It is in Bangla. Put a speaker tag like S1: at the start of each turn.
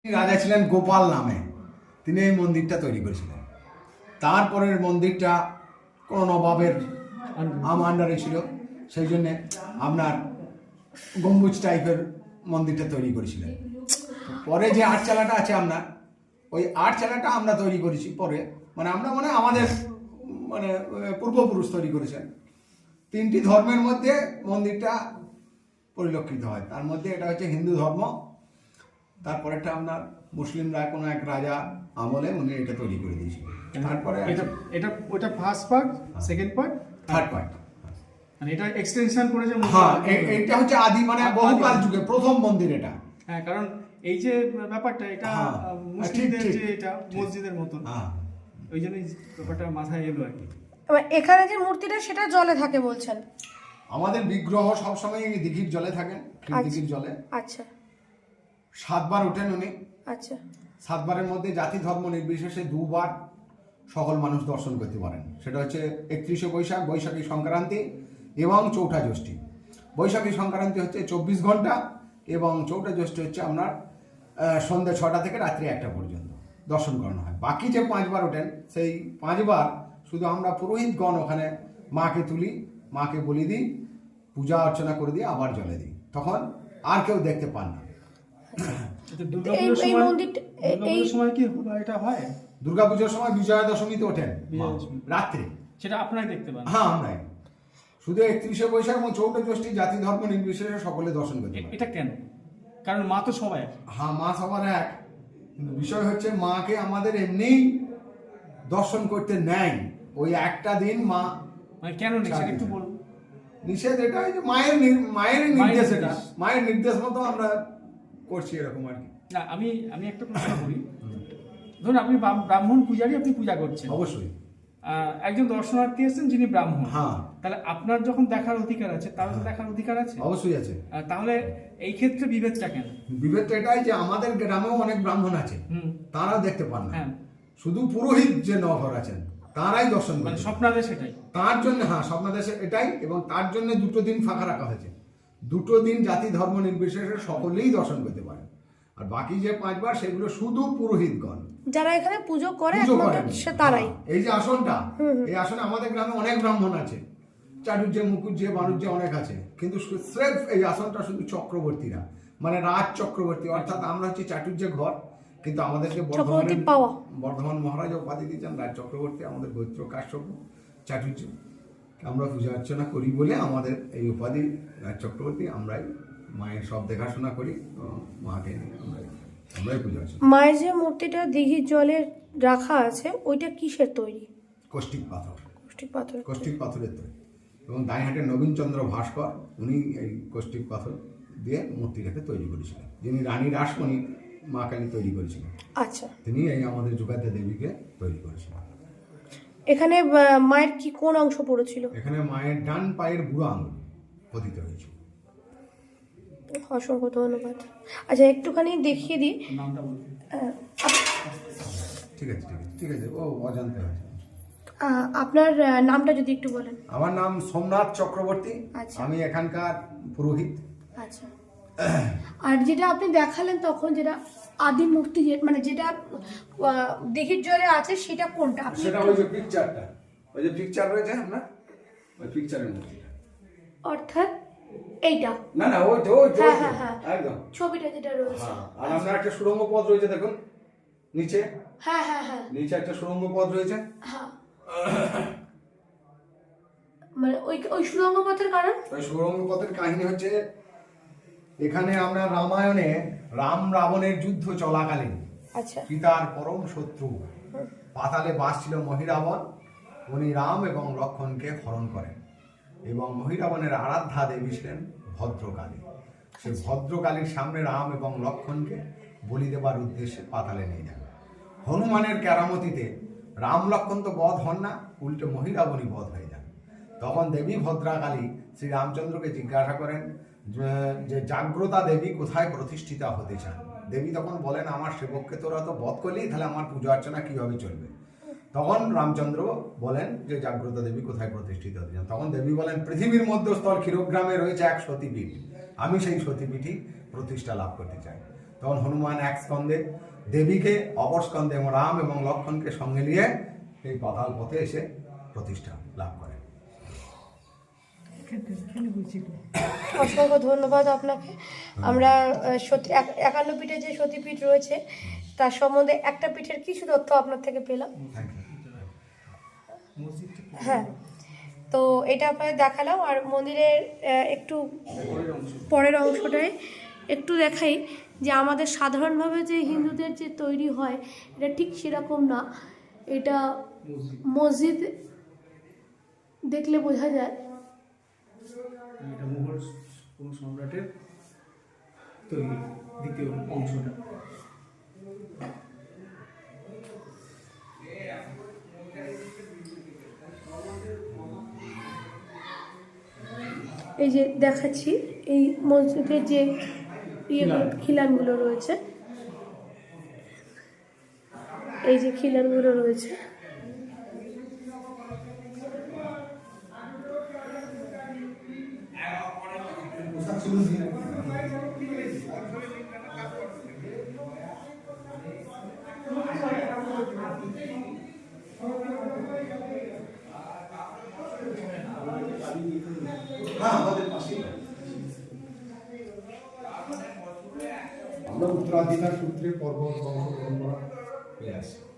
S1: রাজা ছিলেন গোপাল নামে, তিনি এই মন্দিরটা তৈরি করেছিলেন। তারপরের মন্দিরটা কোনো নবাবের আন্ডারে ছিল, সেই জন্যে আপনার গম্বুজ টাইপের মন্দিরটা তৈরি করেছিলেন। পরে যে আটচালাটা আছে আপনার, ওই আটচালাটা আমরা তৈরি করেছি পরে, আমরা আমাদের পূর্বপুরুষ তৈরি করেছেন। তিনটি ধর্মের মধ্যে মন্দিরটা পরিলক্ষিত হয়, তার মধ্যে এটা হচ্ছে হিন্দু ধর্ম, তারপরেরটা আপনার মুসলিমরা কোনো এক রাজা আমলে উনি এটা তৈরি করে দিয়েছিলেন। তারপরে
S2: ওটা first part, second part,
S1: third part,
S2: এটা এক্সটেনশন করেছে।
S1: হ্যাঁ, এটা হচ্ছে আদি বহুকাল যুগে প্রথম মন্দির এটা।
S2: হ্যাঁ, কারণ এই যে ব্যাপারটা এটা মুসলিমদের যে এটা মসজিদের মতন, ওই জন্যই ব্যাপারটা মাথায় এলো আর কি।
S3: এখানে যে মূর্তিটা সেটা জলে থাকে বলছেন?
S1: আমাদের বিগ্রহ সবসময় দিঘির জলে থাকেন, দিঘির জলে।
S3: আচ্ছা,
S1: 7 বার ওঠেন উনি।
S3: আচ্ছা,
S1: 7 বারের মধ্যে জাতি ধর্ম নির্বিশেষে 2 বার সকল মানুষ দর্শন করতে পারেন। সেটা হচ্ছে 31শে বৈশাখ, বৈশাখী সংক্রান্তি এবং চৌঠা জ্যৈষ্ঠী। বৈশাখী সংক্রান্তি হচ্ছে 24 ঘন্টা এবং চৌঠা জ্যৈষ্ঠী হচ্ছে আপনার সন্ধ্যে 6টা থেকে রাত্রি 1টা পর্যন্ত দর্শন করানো হয়। বাকি যে 5 বার ওঠেন, সেই 5 বার শুধু আমরা পুরোহিতগণ ওখানে মাকে তুলি, মাকে বলি দিই, পূজা অর্চনা করে দিই, আবার জলে দিই, তখন আর কেউ দেখতে পান না। দুর্গাপুজোর সময় বিজয়া দশমীতে ওঠেন রাত্রে,
S2: সেটা আপনারাই দেখতে পান?
S1: হ্যাঁ, আমরাই। শুধু 31শে বৈশাখ এবং চৌঠা জ্যৈষ্ঠী জাতি ধর্ম নির্বিশেষে সকলে দর্শন করতে পারে।
S2: এটা কেন? কারণ মা তো সবাই এক।
S1: হ্যাঁ, মা সবার এক, কিন্তু বিষয় হচ্ছে মাকে আমাদের এমনিই দর্শন করতে নেয় ওই একটা দিন। মা
S2: কেন নিষেধ একটু বলুন।
S1: নিষেধ এটাই যে মায়ের নির্দেশ, এটা মায়ের নির্দেশ মতো আমরা করছি এরকম আর কি।
S2: না, আমি একটা প্রশ্ন করি। ধরুন আপনি ব্রাহ্মণ পূজারী, আপনি পূজা করছেন,
S1: অবশ্যই
S2: একজন দর্শনার্থী এসেছেন যিনি ব্রাহ্মণ,
S1: হ্যাঁ,
S2: তাহলে আপনার যখন দেখার অধিকার আছে, তারও তো দেখার অধিকার আছে?
S1: অবশ্যই আছে।
S2: তাহলে এই ক্ষেত্রে বিভেদটা কেন?
S1: বিভেদটা এটাই যে আমাদের গ্রামেও অনেক ব্রাহ্মণ আছে, তারাও দেখতে পান না। শুধু পুরোহিত যে নগর আছেন তারাই দর্শন করেন।
S2: স্বপ্নাদেশ সেটাই,
S1: তার জন্য, হ্যাঁ, স্বপ্নাদেশ এটাই, এবং তার জন্য 2টো দিন ফাঁকা রাখা হয়েছে। 2টো দিন জাতি ধর্ম নির্বিশেষে সকলেই দর্শন করতে পারে। আর বাকি যে 5 বার সেগুলো শুধু পুরোহিতগণ
S3: যারা এখানে পুজো করে তারাই।
S1: এই যে আসনটা, এই আসনে আমাদের গ্রামে অনেক ব্রাহ্মণ আছে, চাটুর্যে, মুকুজ্জে, বাণুজ্যে অনেক আছে, কিন্তু স্রেফ এই আসনটা শুধু চক্রবর্তীরা, রাজ চক্রবর্তী, অর্থাৎ আমরা হচ্ছে চাটুর্যে ঘর, কিন্তু আমাদেরকে বর্ধমান মহারাজ উপাধি দিয়েছেন রাজ চক্রবর্তী। আমাদের গোত্র কাশ্যপ চাটুর্য, আমরা পূজা অর্চনা করি বলে আমাদের এই উপাধি রাজ চক্রবর্তী। আমরাই মায়ের সব দেখাশোনা করি, মাকে আমরাই পূজা অর্চনা।
S3: মায়ের যে মূর্তিটা দিঘির জলে রাখা আছে, ওইটা কিসের তৈরি?
S1: কষ্টিক পাথর,
S3: কষ্টিক
S1: পাথরের তৈরি। এবং দাইহাটের নবীনচন্দ্র ভাস্কর, উনি এই কষ্টিক পাথর দিয়ে মূর্তিটাকে তৈরি করেছিলেন, যিনি রানী রাসমণি মা কালী তৈরি করেছিলেন।
S3: আচ্ছা,
S1: তিনি এই আমাদের যুগাদ্দা দেবীকে তৈরি করেছিলেন।
S3: এখানে মায়ের কি কোন অংশ পড়েছিল?
S1: এখানে মায়ের ডান পায়ের বুড়ো আঙুল পতিত হয়েছিল।
S3: অসংখ্য ধন্যবাদ। আচ্ছা, একটুখানি দেখিয়ে দিই।
S1: ঠিক আছে, ও অজান্তে হয়েছে।
S3: আপনার নামটা যদি একটু বলেন।
S1: আমার নাম সোমনাথ চক্রবর্তী।
S3: আচ্ছা,
S1: আমি এখানকার পুরোহিত।
S3: আচ্ছা, আর যেটা আপনি দেখালেন তখন, যেটা আদি মূর্তি, যেটা দিঘির জলে আছে, সেটা কোনটা?
S1: সেটা ওই যে পিকচারটা, ওই যে পিকচার রয়েছে আপনার, ওই পিকচারের মধ্যে,
S3: অর্থাৎ এইটা
S1: না, ওই
S3: হ্যাঁ,
S1: একদম
S3: ছবিটা যেটা রয়েছে।
S1: আর আপনার একটা সুড়ঙ্গ পথ রয়েছে, দেখুন নিচে।
S3: হ্যাঁ,
S1: নিচে একটা সুড়ঙ্গ পথ রয়েছে।
S3: হ্যাঁ, ওই সুড়ঙ্গ পথের কারণ?
S1: ওই সুড়ঙ্গ পথের কাহিনী হচ্ছে, এখানে আমরা রামায়ণে রাম রাবণের যুদ্ধ চলাকালীন,
S3: আচ্ছা,
S1: পিতার পরম শত্রু পাতালে বাস ছিল মহিরাবণ, উনি রাম এবং লক্ষ্মণকে হরণ করেন, এবং মহিরাবণের আরাধ্যা দেবী ছিলেন ভদ্রকালী। সে ভদ্রকালীর সামনে রাম এবং লক্ষ্মণকে বলি দেবার উদ্দেশ্যে পাতালে নিয়ে যান। হনুমানের কেরামতিতে রাম লক্ষ্মণ তো বধ হন না, উল্টে মহিরাবণী বধ হয়ে যান। তখন দেবী ভদ্রাকালী শ্রী রামচন্দ্রকে জিজ্ঞাসা করেন যে জাগ্রতা দেবী কোথায় প্রতিষ্ঠিতা হতে চান। দেবী তখন বলেন, আমার সেবককে তোরা তো বধ করলি, তাহলে আমার পূজা অর্চনা কিভাবে চলবে? তখন রামচন্দ্র বলেন যে জাগ্রতা দেবী কোথায় প্রতিষ্ঠিত হতে চান। তখন দেবী বলেন, পৃথিবীর মধ্যস্থল ক্ষীরগ্রামে রয়েছে এক সতীপীঠ, আমি সেই সতীপীঠই প্রতিষ্ঠা লাভ করতে চাই। তখন হনুমান এক স্কন্ধে, দেবীকে অপর স্কন্ধে এবং রাম এবং লক্ষ্মণকে সঙ্গে নিয়ে এই পাতাল পথে এসে প্রতিষ্ঠা লাভ করেন।
S3: অসংখ্য ধন্যবাদ আপনাকে। আমরা সতী 51 পীঠে যে সতীপীঠ রয়েছে তার সম্বন্ধে একটা পীঠের কিছু তথ্য আপনার থেকে পেলাম। হ্যাঁ, তো এটা আপনাদের দেখালাম। আর মন্দিরের একটু পরের অংশটায় একটু দেখাই যে আমাদের সাধারণভাবে যে হিন্দুদের যে তৈরি হয় এটা ঠিক সেরকম না। এটা মসজিদ দেখলে বোঝা যায়।
S2: এটা মুঘল কোন সম্রাটের তৈরি দ্বিতীয় অংশটা।
S3: এই যে দেখাচ্ছি এই মসজিদের যে খিলানগুলো রয়েছে, এই যে খিলানগুলো রয়েছে,
S4: আমরা উত্তরাধিকার সূত্রে পর্বত বংশ পরম্পরা হয়ে আসি।